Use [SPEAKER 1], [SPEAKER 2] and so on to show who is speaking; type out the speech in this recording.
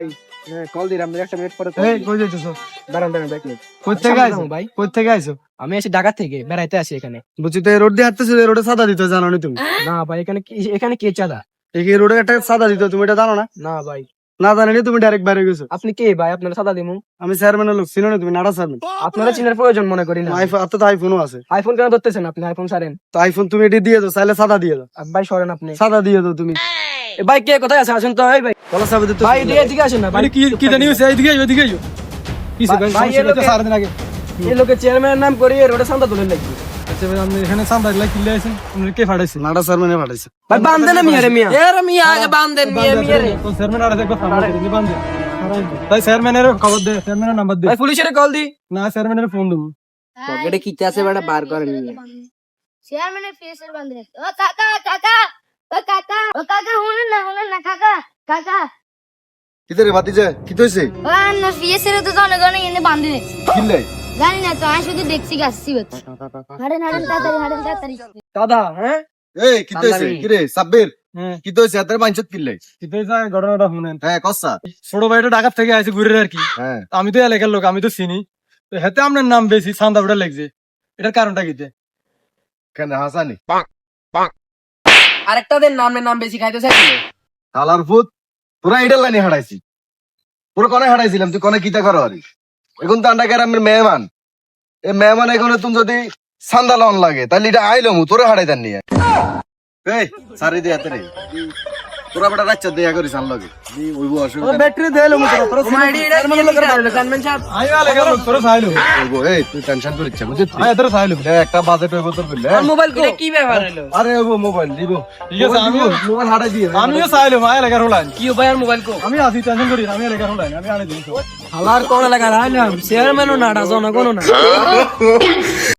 [SPEAKER 1] Call দিলাম একটা minute পরে
[SPEAKER 2] কই যাইতেছো?
[SPEAKER 1] দাঁড়ান এক মিনিট।
[SPEAKER 2] কই থেকে আইছো ভাই? কই থেকে আইছো?
[SPEAKER 1] আমি আসি ঢাকা থেকে বেড়াইতে আসি এখানে।
[SPEAKER 2] বুঝছি তো এই রোড দিয়ে হাঁটতেছো, এই রোডে সাদা দিতে জানো না তুমি?
[SPEAKER 1] না ভাই এখানে কে চাঁদা?
[SPEAKER 2] এই রোডে একটা সাদা দিতে তুমি এটা জানো না?
[SPEAKER 1] না ভাই
[SPEAKER 2] না জানি তুমি ডাইরেক্ট বাইরে গেছো।
[SPEAKER 1] আপনি কে ভাই? আপনার সাদা দিমু?
[SPEAKER 2] আমি চেয়ারম্যানের লোক, চিনো না তুমি? নাড়া চেয়ারম্যান।
[SPEAKER 1] আপনারা চিনার প্রয়োজন মনে করি না।
[SPEAKER 2] আইফোন তো আইফোনও আছে।
[SPEAKER 1] আইফোন কেন ধরতেছেন আপনি? আইফোন সারেন
[SPEAKER 2] তো আইফোন তুমি এটি দিয়ে দাও, চাইলে সাদা দিয়ে দাও।
[SPEAKER 1] ভাই সরেন আপনি।
[SPEAKER 2] সাদা দিয়ে দাও তুমি।
[SPEAKER 1] এ ভাই কে কোথায় আছে? আসেন তো। এই ভাই
[SPEAKER 2] বলা সাবে দিতে
[SPEAKER 1] ভাই এদিকে আসেন না ভাই।
[SPEAKER 2] কি জানি হইছে? এইদিকে এইদিকে আইও। কিছে ভাই?
[SPEAKER 1] ভাই, এই লোকে-
[SPEAKER 2] সারা দিন আগে
[SPEAKER 1] এই লোকে চেয়ারম্যানের নাম করি রোডে চাঁদা তুলেন লাগবে।
[SPEAKER 2] আচ্ছা ভাই, আমি এখানে সান্দা লাগি কিলে আইছেন। আপনি কে ফাড়াইছে? নাড়া চেয়ারম্যানে ফাড়াইছে।
[SPEAKER 1] ভাই বান্ধেন না মিয়া রে মিয়া। এ রে মিয়া আগে বান্ধেন মিয়া রে।
[SPEAKER 2] তো চেয়ারম্যান আর দেখো সামনে দিকে বান্ধে। তাই চেয়ারম্যানের খবর দে, চেয়ারম্যানের নাম্বার দে।
[SPEAKER 1] ভাই পুলিশের কল দি।
[SPEAKER 2] না চেয়ারম্যানের ফোন দেব।
[SPEAKER 1] পকেটে কিতে আছে বেটা বার করেন মিয়া।
[SPEAKER 3] চেয়ারম্যানের ফেসের বান্ধে ও কাকা কাকা ও কাকা ও কাকা শুনেন না কাকা কাকা
[SPEAKER 4] কিতে রে ভাতিজা কি হইছে?
[SPEAKER 3] ও না ফেসের তো জনগণ এনে বান্ধে রেখেছে।
[SPEAKER 4] কিনলে
[SPEAKER 3] জানি না তো আমি শুধু দেখছি গাছছি হাড়েন তাড়াতাড়ি
[SPEAKER 1] দাদা হ্যাঁ
[SPEAKER 4] এই কি হইছে? কি রে সাব্বির
[SPEAKER 2] হ্যাঁ,
[SPEAKER 4] কি হইছে? এত মাইন্সত কিনলে?
[SPEAKER 2] কিতে যায় ঘটনাটা শুনেন।
[SPEAKER 4] হ্যাঁ কসা।
[SPEAKER 2] ছোট ভাইটা ঢাকা থেকে আইছে ঘুরে আর কি।
[SPEAKER 4] হ্যাঁ
[SPEAKER 2] আমি তো এলাকার লোক, আমি তো চিনি। তো হেতে আপনার নাম বেশি চান্দা উঠা লাগছে। এটার কারণটা কিতে?
[SPEAKER 4] কেন হাসানি?
[SPEAKER 1] আরেকটা দেন নাম বেশি খাইতে চাইছিল।
[SPEAKER 4] হালার ফুট তোরা এটার লাইনে হারাইছি। পুরো কনে হারাইছিলাম, তুই কনে কিতা করো আরে? এখন তো আন্ডা গ্রামের মেহমান। এই মেহমান এখানে তুমি যদি সান্দা লন লাগে তাহলে এটা আইলো মু তোরে হারাইতাম নিয়ে। এই সারি দে হাতে রে। তোরা বেটা রাচ্চা দেয়া করিস আন লাগে। দি ওইবো অসুবিধা।
[SPEAKER 2] ব্যাটারি দেলো মু তোরা। তোরা
[SPEAKER 1] তোমার আইডি এটা কি লিখা চেয়ারম্যান সাহেব?
[SPEAKER 2] আই এলাকার লোক তোরা চাইলো।
[SPEAKER 4] ওইবো এই তুই টেনশন করিস না বুঝছিস?
[SPEAKER 2] আই তোরা চাইলো।
[SPEAKER 4] একটা বাজেট হইবো তোর বললে।
[SPEAKER 1] আর মোবাইল কো কি ব্যাপার হলো?
[SPEAKER 4] আরে ওইবো মোবাইল দিব।
[SPEAKER 2] ঠিক আছে, আমিও
[SPEAKER 4] মোবাইল হারাই দিয়ে।
[SPEAKER 2] আমিও চাইলো মা এলাকার হলাইন।
[SPEAKER 1] কি ভাই আর মোবাইল কো?
[SPEAKER 2] আমি আছি, টেনশন করিস, আমি এলাকার হলাইন, আমি আনে দিই।
[SPEAKER 1] হালার কোন লাগা রাইলাম চেয়ারম্যানও না জনগণও না।